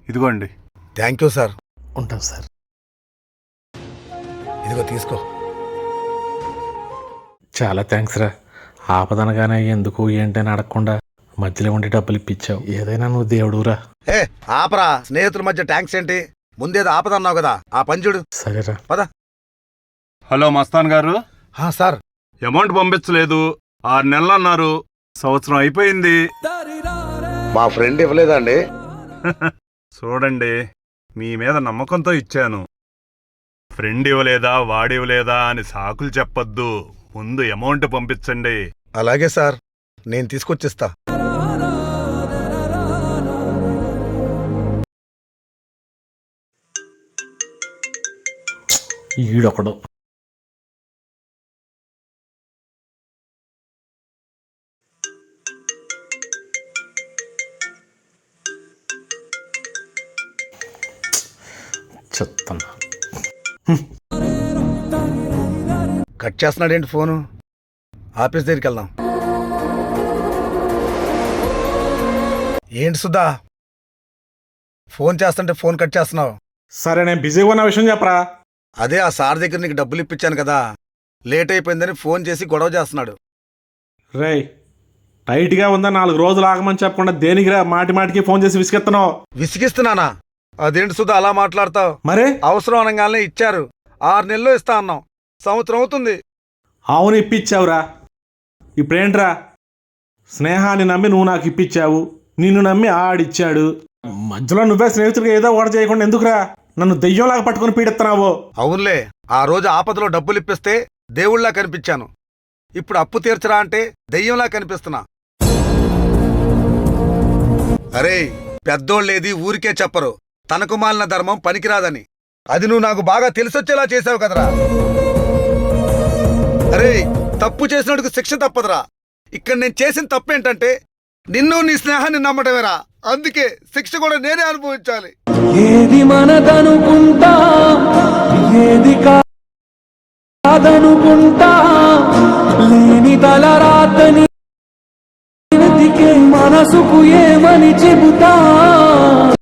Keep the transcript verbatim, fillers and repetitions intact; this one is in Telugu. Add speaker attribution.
Speaker 1: ఇదిగోండి.
Speaker 2: Thank you sir.
Speaker 3: ఉంటాం సార్.
Speaker 2: ఇదిగో తీసుకో.
Speaker 3: చాలా థ్యాంక్స్ రా. ఆపదనగానే ఎందుకు ఏంటని అడగకుండా మధ్యలో ఉండి డబ్బులు ఇప్పించావు. ఏదైనా నువ్వు దేవుడురా.
Speaker 2: ఏ ఆపరా, స్నేహితుల మధ్య ట్యాంక్స్ ఏంటి? ముందేదో ఆపదన్నావు కదా, ఆ పంచుడు.
Speaker 3: సరేరా
Speaker 2: పద.
Speaker 1: హలో మస్తాన్ గారు.
Speaker 2: సార్,
Speaker 1: అమౌంట్ పంపించలేదు, ఆరు నెలలు అన్నారు, సంవత్సరం అయిపోయింది.
Speaker 2: మా ఫ్రెండ్ ఇవ్వలేదండి.
Speaker 1: చూడండి, మీ మీద నమ్మకంతో ఇచ్చాను. ఫ్రెండ్ ఇవ్వలేదా వాడివ్వలేదా అని సాకులు చెప్పొద్దు. ముందు అమౌంట్ పంపించండి.
Speaker 2: అలాగే సార్, నేను తీసుకొచ్చిస్తా.
Speaker 3: ఈడొకడు. చెప్తాను.
Speaker 2: Cut చేస్తున్నాడేంటి phone? ఆఫీస్ దగ్గరికి వెళ్దాం. ఏంటి సుధా, ఫోన్ చేస్తుంటే ఫోన్ కట్ చేస్తున్నావు?
Speaker 3: సరే, నేను బిజీగా ఉన్న విషయం చెప్పరా.
Speaker 2: అదే ఆ సార్ దగ్గర నీకు డబ్బులు ఇప్పించాను కదా, లేట్ అయిపోయిందని ఫోన్ చేసి గొడవ చేస్తున్నాడు.
Speaker 3: రేయ్, టైట్గా ఉందా నాలుగు రోజులు ఆగమని చెప్పకుండా దేనికిరా మాటి మాటికి ఫోన్ చేసి విసిగెత్తనావు?
Speaker 2: విసిగిస్తున్నానా? అదేంటి సుధా అలా మాట్లాడతావు?
Speaker 3: మరే
Speaker 2: అవసరం అనగానే ఇచ్చారు. ఆరు నెలలు ఇస్తా అన్నాం, సంవత్సరం అవుతుంది.
Speaker 3: అవును, ఇప్పించావురా. ఇప్పుడేంట్రా, స్నేహాన్ని నమ్మి నువ్వు నాకు ఇప్పించావు, నిన్ను నమ్మి ఆడిచ్చాడు. మధ్యలో నువ్వే స్నేహితుడిగా ఏదో ఓడ చేయకుండా ఎందుకురా నన్ను దెయ్యంలాగా పట్టుకుని పీడిస్తున్నావు?
Speaker 2: అవునులే, ఆ రోజు ఆపదలో డబ్బులు ఇప్పిస్తే దేవుళ్లా కనిపించాను. ఇప్పుడు అప్పు తీర్చరా అంటే దెయ్యంలా కనిపిస్తున్నా. అరే, పెద్దోళ్ళేది ఊరికే చెప్పరు, తనకు మాలిన ధర్మం పనికిరాదని. అది నువ్వు నాకు బాగా తెలిసొచ్చేలా చేసావు కదరా. అరే, తప్పు చేసినట్టుకు శిక్ష తప్పదురా. ఇక్కడ నేను చేసిన తప్పేంటంటే నిన్ను నీ స్నేహాన్ని నమ్మటమేరా. అందుకే శిక్ష కూడా నేనే అనుభవించాలి.
Speaker 4: ఏది మనదనుకుంటా, ఏది కాదనుకుంటా, లేని తలరాతని వెతికే మనసుకు ఏమని చెబుతా.